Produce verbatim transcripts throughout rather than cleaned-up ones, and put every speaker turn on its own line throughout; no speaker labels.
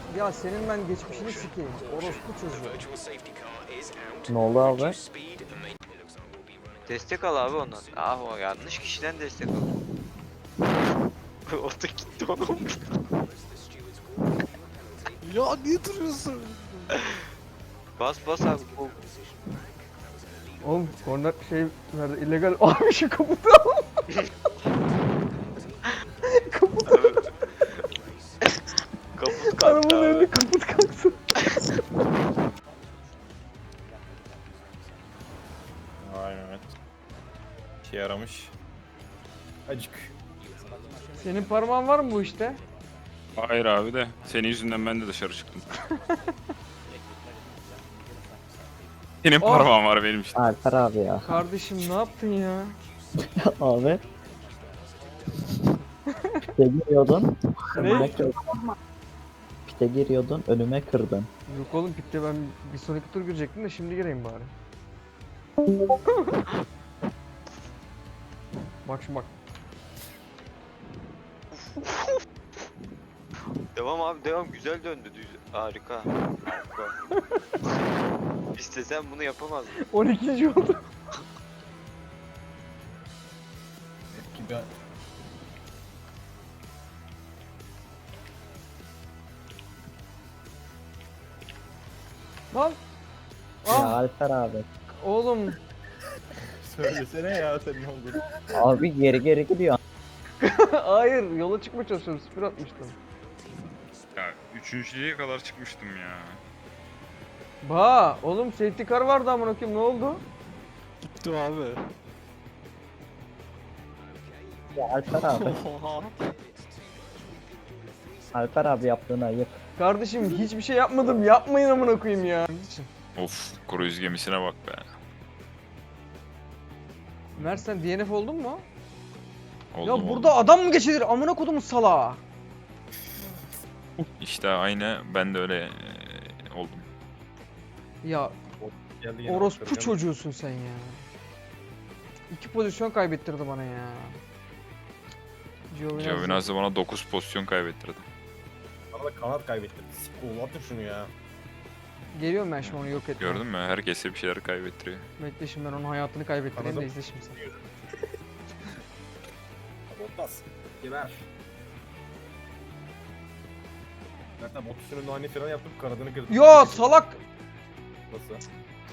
Ya senin ben geçmişini sikeyim. Orospu çocuğu.
Ne oldu abi?
Destek al abi ondan. Ah o yanlış kişiden destek al. O da gitti oğlum.
Ya niye duruyorsun?
Bas bas abi. O-
Oğlum korner şey nerede illegal. Abi şu kaputu al. Kaput.
Kaput kalktı
Arabanın
abi.
önünde kaput kalksın.
Vay Mehmet. İşe yaramış. Acık.
Senin parmağın var mı bu işte?
Hayır abi de senin yüzünden ben de dışarı çıktım. Senin
Oh!
parmağın var benim işte.
Alper abi ya.
Kardeşim ne yaptın ya?
Abi. Pite giriyordun. Önüme
Ne?
kırdın. Pite giriyordun. Önüme kırdın.
Yok oğlum pitte ben bir sonraki tur girecektim de şimdi gireyim bari. Bak şimdi bak.
Devam abi devam güzel döndü düz. Harika. Harika. İstesen bunu yapamazdın.
on ikinci oldu.
Gibi.
Lan.
Ya
Ah
Alper abi.
oğlum.
Söylesene ya senin olduğunu.
Abi geri geri gidiyor.
Hayır yola çıkmaya çalışıyorum. Sıfır atmıştım.
Ya üçüncülüğe kadar çıkmıştım ya.
Ba oğlum safety car vardı amına koyayım ne oldu?
Gitti abi.
Ya Alper abi.
Oha.
Alper abi yaptığın ayıp.
Kardeşim hiçbir şey yapmadım. Yapmayın amına koyayım ya.
Of kruz gemisine bak be.
Mert sen D N F oldun mu?
Oldum,
ya
oldum.
burada adam mı geçilir? Amına kodumun salağı.
İşte aynı ben de öyle e, oldum.
Ya
Geldi yine
orospu
baktıracağım.
çocuğusun sen ya. İki pozisyon kaybettirdi bana ya. Giovinazzi.
Giovinazzi bana dokuz pozisyon kaybettirdi.
Bana da kanat kaybettirdi. Sikol atın şunu ya.
Geliyorum ben şimdi onu yok etmeye.
Gördün mü? Herkese bir şeyler kaybettiriyor.
Bekle şimdi ben onun hayatını kaybettireyim de
Anladım.
izle şimdi sen.
Bottas. Geber. Zaten Bottas'ın önünde aynı fren yaptım kanadını kırdım.
Ya salak!
Nasıl?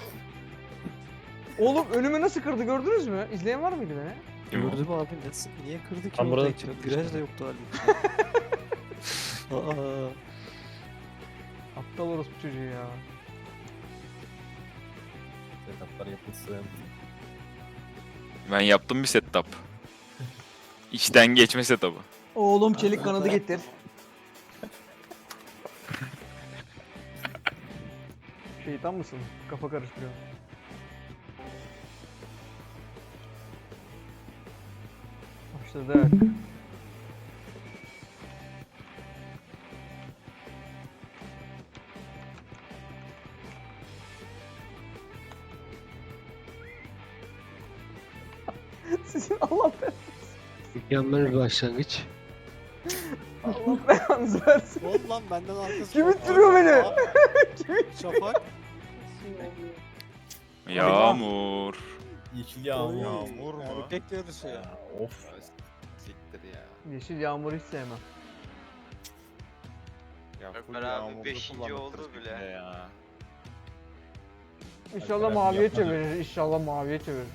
Oğlum önümü nasıl kırdı gördünüz mü? İzleyen var mıydı beni?
Kim o?
Gördüm abi nasıl niye kırdı ki
Ben
orada
burada
içine? Viraj da yoktu halbuki. Aa.
Aptal orospu çocuğu ya.
Setuplar yapılsın.
Ben yaptım bir setup. İçten geçme setup'ı.
Oğlum çelik kanadı getir. Şeytan mısın? Kafa karıştırıyor. Başladık. Sizin Allah be
Mükemmel bir başlangıç.
Allah belanızı versin.
Oğlum lan benden arkası.
Kim
var.
ittiriyor beni?
Aa, Şafak.
Yağmur.
Yeşil yağmur.
Oy,
Yağmur mu?
Erkek yarışı ya.
Of.
Siktir ya.
Yeşil yağmur hiç sevmem.
Ya full
Ömer abi
yağmurlu
beşinci
kullandık
oldu
kırk
bile.
binde Ya.
İnşallah
Alper abi
maviye
yapmadı.
çevirir. İnşallah maviye çevirir.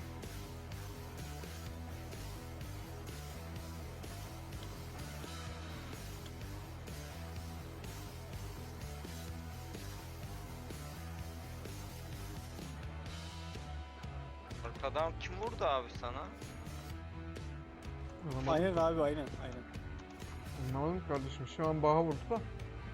Arkadan kim vurdu abi sana?
Anlamadım.
Aynen abi aynen aynen.
Anlamadım kardeşim. Şu an baha vurdu da.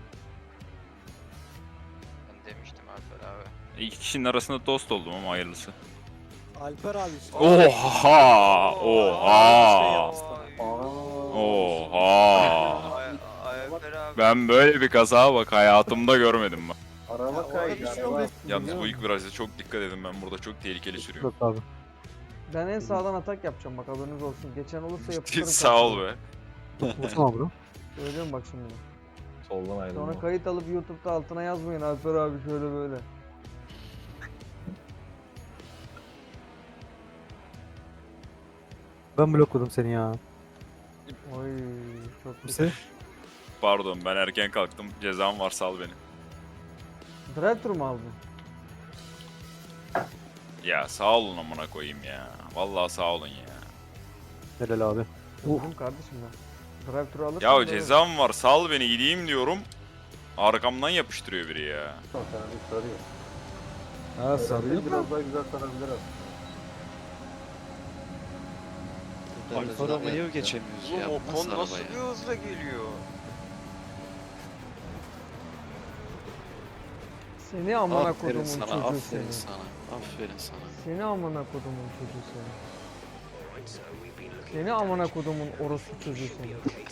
Ben demiştim Alper abi.
İki kişinin arasında dost oldum ama hayırlısı.
Alper abi işte.
Oha!
Şey
Oha!
yapmışlar.
Oha!
Ay, ay Alper abi.
Ben böyle bir kaza bak hayatımda görmedim bak.
Ya,
Araba
orada bir şey oldu.
Yalnız bu ilk virajda çok dikkat edin, ben burada çok tehlikeli sürüyorum.
Yok abi.
Ben en sağdan atak yapacağım bak haberiniz olsun. Geçen olursa yapıştırırım.
Sağ ol be.
Tamam bro.
Söylüyorum bak şimdi.
Soldan ayrılma.
Sonra kayıt alıp YouTube'da altına yazmayın Alper abi şöyle böyle.
Ben blokladım seni ya.
Oy çok
Kimse?
güzel.
Pardon ben erken kalktım. Cezam var sal beni.
Drive-thru mu aldın?
Ya sağ olun amına koyayım ya. Vallahi sağ olun ya.
Helal abi.
Oğlum kardeşim ben. Drive-thru alırsın.
Ya
böyle.
cezam var sal beni gideyim diyorum. Arkamdan yapıştırıyor biri ya.
Ha sarıyor mu?
Alfa Romeo'yu geçemiyoruz
Oğlum
ya.
o
Bu
kon
nasıl
nasıl
araba
bir
ya?
hızla geliyor?
Seni amına
Aferin
kodumun
sana,
çocuğu
aferin
seni.
sana. Aferin sana.
Seni amına kodumun çocuğu seni. Seni amına kodumun orospu çocuğu seni.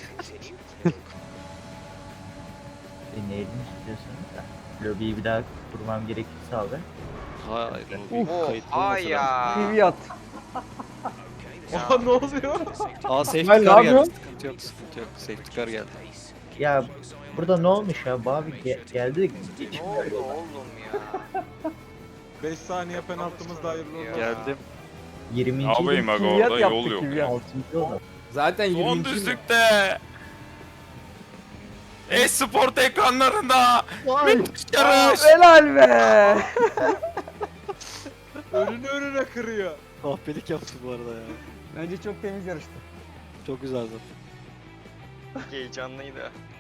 Dinleyelim istiyorsanız da. Lobiyi bir daha kurmam gerekirse abi.
Hayır, o
Uf.
bir kayıt
Oha
olmasa
ya.
T V at.
Oha ne oluyor?
Aa safety
İsmail, ne
car geldi.
yapıyorsun?
Sıkıntı yok, sıkıntı yok. Safety car geldi.
Ya burada ne olmuş ya? Bu abi ge- geldi.
Ne oldu oğlum ya?
beş saniye penaltımız da hayırlı olsun.
Geldim.
yirminci
Ne yapayım aga
Kiviyat
orada yol
yaptık,
yok.
kiviyat.
altıncı oldu.
Zaten
Son
yirminci
düzlükte. E-sport ekranlarında. Müthiş yarış.
Helal be.
önünü önüne kırıyor.
Kahpelik yaptı bu arada ya.
Bence çok temiz yarıştı.
Çok güzeldi.
Heyecanlıydı.